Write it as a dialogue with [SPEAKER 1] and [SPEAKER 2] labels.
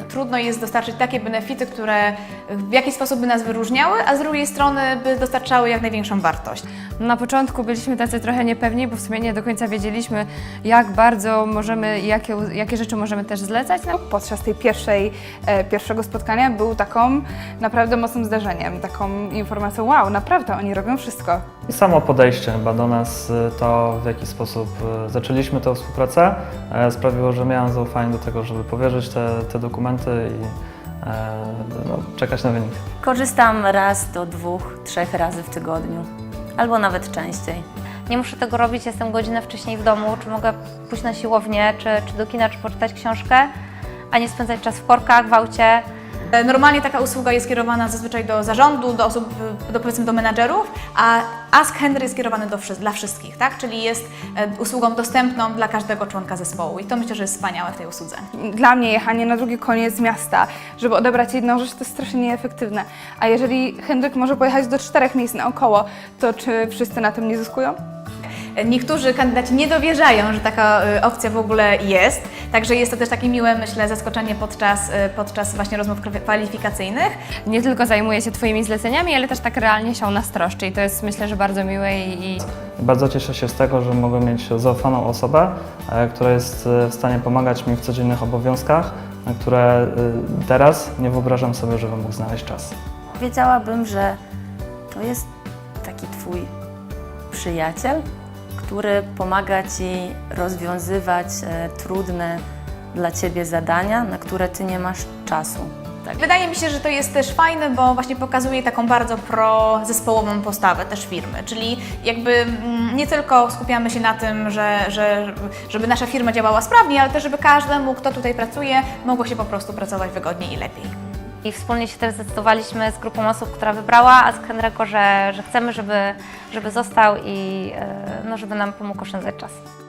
[SPEAKER 1] trudno jest dostarczyć takie benefity, które w jakiś sposób by nas wyróżniały, a z drugiej strony by dostarczały jak największą wartość.
[SPEAKER 2] Na początku byliśmy tacy trochę niepewni, bo w sumie nie do końca wiedzieliśmy, jak bardzo możemy, jakie rzeczy możemy też zlecać.
[SPEAKER 3] Podczas tej pierwszego spotkania był taką naprawdę mocnym zdarzeniem, taką informacją, wow, naprawdę oni robią wszystko.
[SPEAKER 4] I samo podejście chyba do nas, to w jaki sposób zaczęliśmy tę współpracę, sprawiło, że miałem zaufanie do tego, żeby powierzyć te dokumenty i czekać na wynik.
[SPEAKER 5] Korzystam raz do 2-3 razy w tygodniu, albo nawet częściej.
[SPEAKER 6] Nie muszę tego robić, jestem godzinę wcześniej w domu, czy mogę pójść na siłownię, czy do kina, czy poczytać książkę, a nie spędzać czas w korkach, w aucie.
[SPEAKER 1] Normalnie taka usługa jest kierowana zazwyczaj do zarządu, do osób, powiedzmy do menadżerów, a Ask Henry jest kierowany dla wszystkich, tak? Czyli jest usługą dostępną dla każdego członka zespołu i to myślę, że jest wspaniałe w tej usłudze.
[SPEAKER 3] Dla mnie jechanie na drugi koniec miasta, żeby odebrać jedną rzecz, to jest strasznie nieefektywne. A jeżeli Henryk może pojechać do 4 miejsc naokoło, to czy wszyscy na tym nie zyskują?
[SPEAKER 1] Niektórzy kandydaci nie dowierzają, że taka opcja w ogóle jest, także jest to też takie miłe, myślę, zaskoczenie podczas właśnie rozmów kwalifikacyjnych.
[SPEAKER 2] Nie tylko zajmuje się Twoimi zleceniami, ale też tak realnie się o nas troszczy i to jest, myślę, że bardzo miłe i
[SPEAKER 4] Bardzo cieszę się z tego, że mogę mieć zaufaną osobę, która jest w stanie pomagać mi w codziennych obowiązkach, na które teraz nie wyobrażam sobie, żebym mógł znaleźć czas.
[SPEAKER 5] Wiedziałabym, że to jest taki Twój przyjaciel, który pomaga Ci rozwiązywać trudne dla Ciebie zadania, na które Ty nie masz czasu. Tak.
[SPEAKER 1] Wydaje mi się, że to jest też fajne, bo właśnie pokazuje taką bardzo prozespołową postawę też firmy, czyli jakby nie tylko skupiamy się na tym, żeby nasza firma działała sprawnie, ale też żeby każdemu, kto tutaj pracuje, mogło się po prostu pracować wygodniej i lepiej.
[SPEAKER 6] I wspólnie się też zdecydowaliśmy z grupą osób, która wybrała Ask Henry'ego, że chcemy, żeby został i żeby nam pomógł oszczędzać czas.